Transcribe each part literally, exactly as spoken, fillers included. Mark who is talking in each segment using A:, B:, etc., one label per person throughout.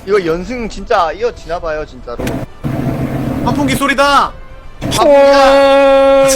A: 이거 연승 진짜 이어지나봐요 진짜로.
B: 환풍기 소리다.
A: 아,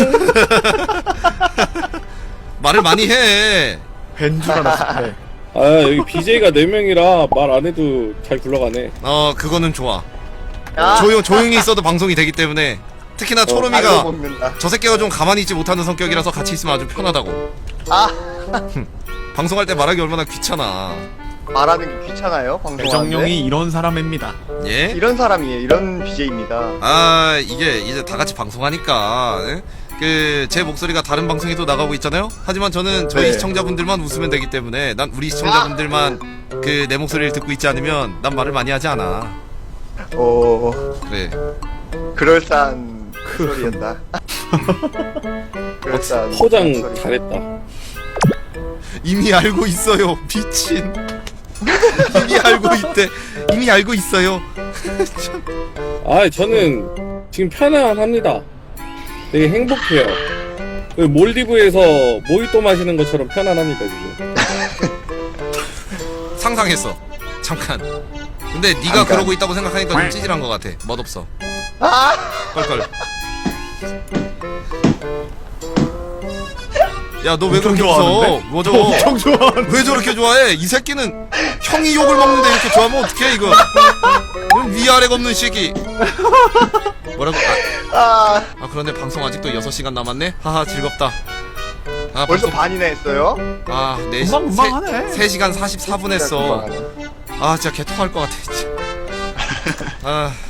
C: 말을 많이 해.
B: 벤 줄 알았어. 네.
D: 아 여기 비제이가 네 명이라 말 안 해도 잘 굴러가네.
C: 어 그거는 좋아.
A: 야,
C: 조용 조용히 있어도 방송이 되기 때문에 특히나
A: 알고
C: 초롬이가
A: 먹는다.
C: 저 새끼가 좀 가만히 있지 못하는 성격이라서 같이 있으면 아주 편하다고.
A: 아,
C: 방송할 때 말하기 얼마나 귀찮아.
A: 말하는 게 귀찮아요 방송하는데.
B: 배정용이 이런 사람입니다.
C: 예?
A: 이런 사람이에요. 이런 비제이입니다.
C: 아 이게 이제 다 같이 방송하니까 예? 그 제 목소리가 다른 방송에도 나가고 있잖아요. 하지만 저는 저희
A: 네.
C: 시청자분들만 웃으면 되기 때문에 난 우리 시청자분들만 그 내 목소리를 듣고 있지 않으면 난 말을 많이 하지 않아.
A: 오,
C: 그래.
A: 그럴싸한 소리였다. 그럴싸한
D: 포장
A: 소리.
D: 잘했다.
C: 이미 알고 있어요. 미친. 이미 알고 있대. 이미 알고 있어요.
D: 아 저는 지금 편안합니다. 되게 행복해요. 그 몰디브에서 모히또 마시는 것처럼 편안합니다 지금.
C: 상상했어. 잠깐. 근데 네가
A: 잠깐.
C: 그러고 있다고 생각하니까 좀 찌질한 것 같아. 멋없어.
A: 아,
C: 껄껄. 야 너 왜
B: 엄청
C: 그렇게
B: 좋아하는데?
C: 웃어? 뭐죠?
B: 엄청 좋아하는.
C: 왜 저렇게 좋아해? 이 새끼는 형이 욕을 먹는데 이렇게 좋아하면 어떡해 이거? 이런 위아래가 없는 새끼. 뭐라고? 아,
A: 아,
C: 아 그런데 방송 아직도 여섯 시간 남았네? 하하 즐겁다. 아
A: 벌써
C: 방송
A: 반이나 했어요?
C: 아 네 시
B: 금방 금방 하네.
C: 세 시간 사십사 분 했어.
A: 금방 하네.
C: 아 진짜 개토할 것 같아 진짜. 아